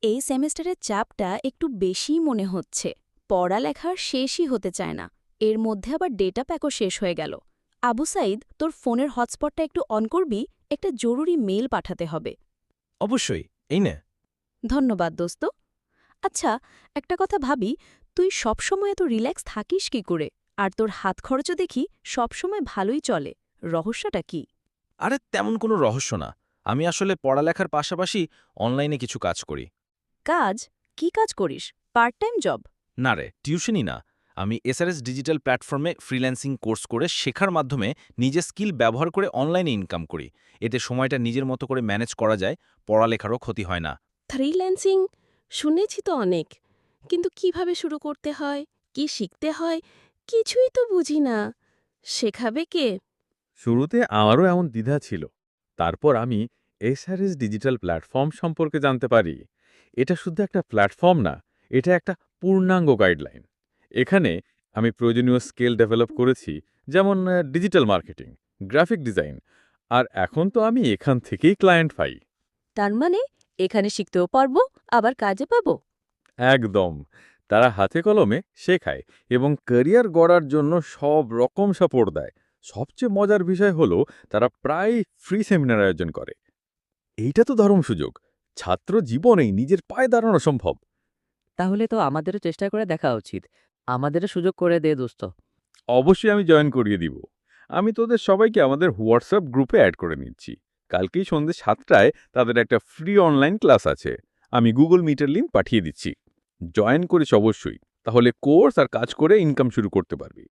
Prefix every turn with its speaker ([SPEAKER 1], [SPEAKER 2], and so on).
[SPEAKER 1] এই সেমেস্টারের চাপটা একটু বেশিই মনে হচ্ছে। পড়ালেখার শেষই হতে চায় না। এর মধ্যে আবার ডেটা প্যাকও শেষ হয়ে গেল। আবু সাইদ, তোর ফোনের হটস্পটটা একটু অন করবি? একটা জরুরি মেইল পাঠাতে হবে।
[SPEAKER 2] অবশ্যই, এই নে।
[SPEAKER 1] ধন্যবাদ দোস্ত। আচ্ছা, একটা কথা ভাবি, তুই সবসময় এত রিল্যাক্স থাকিস কি করে? আর তোর হাত খরচও দেখি সবসময় ভালোই চলে। রহস্যটা কি?
[SPEAKER 2] আরে তেমন কোনো রহস্য না। আমি আসলে পড়ালেখার পাশাপাশি অনলাইনে কিছু কাজ করি।
[SPEAKER 1] কাজ? কি কাজ করিস? Part time job?
[SPEAKER 2] না রে, টিউশনই না। আমি এসআরএস ডিজিটাল প্ল্যাটফর্মে ফ্রিল্যান্সিং কোর্স করে শেখার মাধ্যমে নিজের স্কিল ব্যবহার করে অনলাইনে ইনকাম করি। এতে সময়টা নিজের মতো করে ম্যানেজ করা যায়, পড়ালেখারও ক্ষতি হয় না।
[SPEAKER 3] ফ্রিল্যান্সিং শুনেছি তো অনেক, কিন্তু কিভাবে শুরু করতে হয়, কি শিখতে হয়, কিছুই তো বুঝি না। শেখাবে কে?
[SPEAKER 4] শুরুতে আমারও এমন দ্বিধা ছিল। তারপর আমি এসআরএস ডিজিটাল প্ল্যাটফর্ম সম্পর্কে জানতে পারি। এটা শুধু একটা প্ল্যাটফর্ম না, এটা একটা পূর্ণাঙ্গ গাইডলাইন। এখানে আমি প্রয়োজনীয় স্কিল ডেভেলপ করেছি, যেমন ডিজিটাল মার্কেটিং, গ্রাফিক ডিজাইন। আর এখন তো আমি এখান থেকেই ক্লায়েন্ট পাই।
[SPEAKER 3] তার মানে এখানে শিখতেও পারবো, আবার কাজে পাবো।
[SPEAKER 4] একদম। তারা হাতে কলমে শেখায় এবং ক্যারিয়ার গড়ার জন্য সব রকম সাপোর্ট দেয়। সবচেয়ে মজার বিষয় হলো তারা প্রায় ফ্রি সেমিনার আয়োজন করে। এইটা তো দারুণ সুযোগ। ছাত্র জীবনেই নিজের পায়ে দাঁড়ানো সম্ভব।
[SPEAKER 5] তাহলে তো আমাদেরও চেষ্টা করে দেখা উচিত। আমাদেরও সুযোগ করে দে দোস্ত।
[SPEAKER 4] অবশ্যই আমি জয়েন করিয়ে দিব। আমি তোদের সবাইকে আমাদের হোয়াটসঅ্যাপ গ্রুপে অ্যাড করে নিচ্ছি। কালকেই সন্ধ্যে ৭টায় তাদের একটা ফ্রি অনলাইন ক্লাস আছে। আমি গুগল মিটের লিঙ্ক পাঠিয়ে দিচ্ছি। জয়েন করিস অবশ্যই। তাহলে কোর্স আর কাজ করে ইনকাম শুরু করতে পারবি।